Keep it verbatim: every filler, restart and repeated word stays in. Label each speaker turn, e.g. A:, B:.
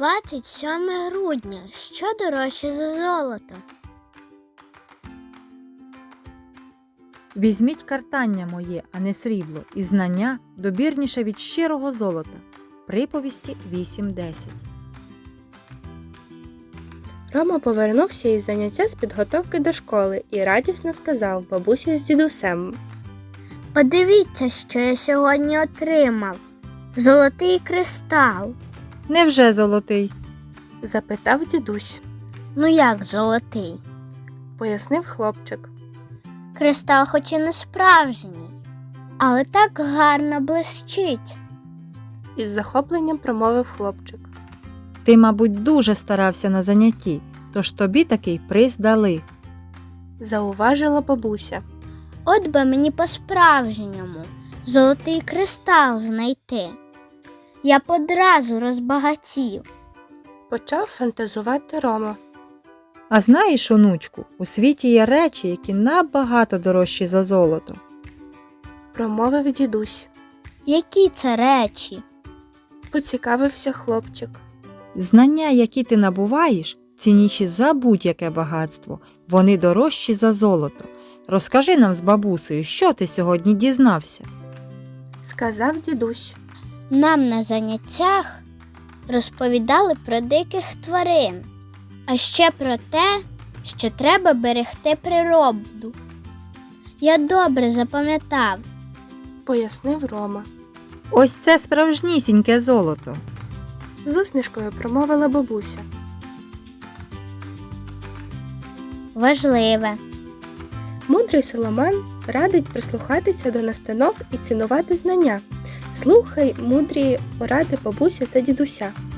A: двадцять сьоме грудня. Що дорожче за золото?
B: Візьміть картання моє, а не срібло, і знання добірніше від щирого золота. Приповісті вісім десять.
C: Рома повернувся із заняття з підготовки до школи і радісно сказав бабусі з дідусем.
A: Подивіться, що я сьогодні отримав. Золотий кристал.
B: Невже золотий?
C: Запитав дідусь.
A: Ну як золотий?
C: Пояснив хлопчик.
A: Кристал хоч і не справжній, але так гарно блищить.
C: Із захопленням промовив хлопчик.
B: Ти, мабуть, дуже старався на занятті, тож тобі такий приз дали.
C: Зауважила бабуся.
A: От би мені по-справжньому золотий кристал знайти. Я б одразу розбагатів.
C: Почав фантазувати Рома.
B: А знаєш, онучку, у світі є речі, які набагато дорожчі за золото.
C: Промовив дідусь.
A: Які це речі?
C: Поцікавився хлопчик.
B: Знання, які ти набуваєш, цінніші за будь-яке багатство. Вони дорожчі за золото. Розкажи нам з бабусею, що ти сьогодні дізнався?
C: Сказав дідусь.
A: Нам на заняттях розповідали про диких тварин, а ще про те, що треба берегти природу. Я добре запам'ятав.
C: Пояснив Рома.
B: Ось це справжнісіньке золото.
C: З усмішкою промовила бабуся.
A: Важливе.
C: Мудрий Соломон радить прислухатися до настанов і цінувати знання. Слухай мудрі поради бабусі та дідуся.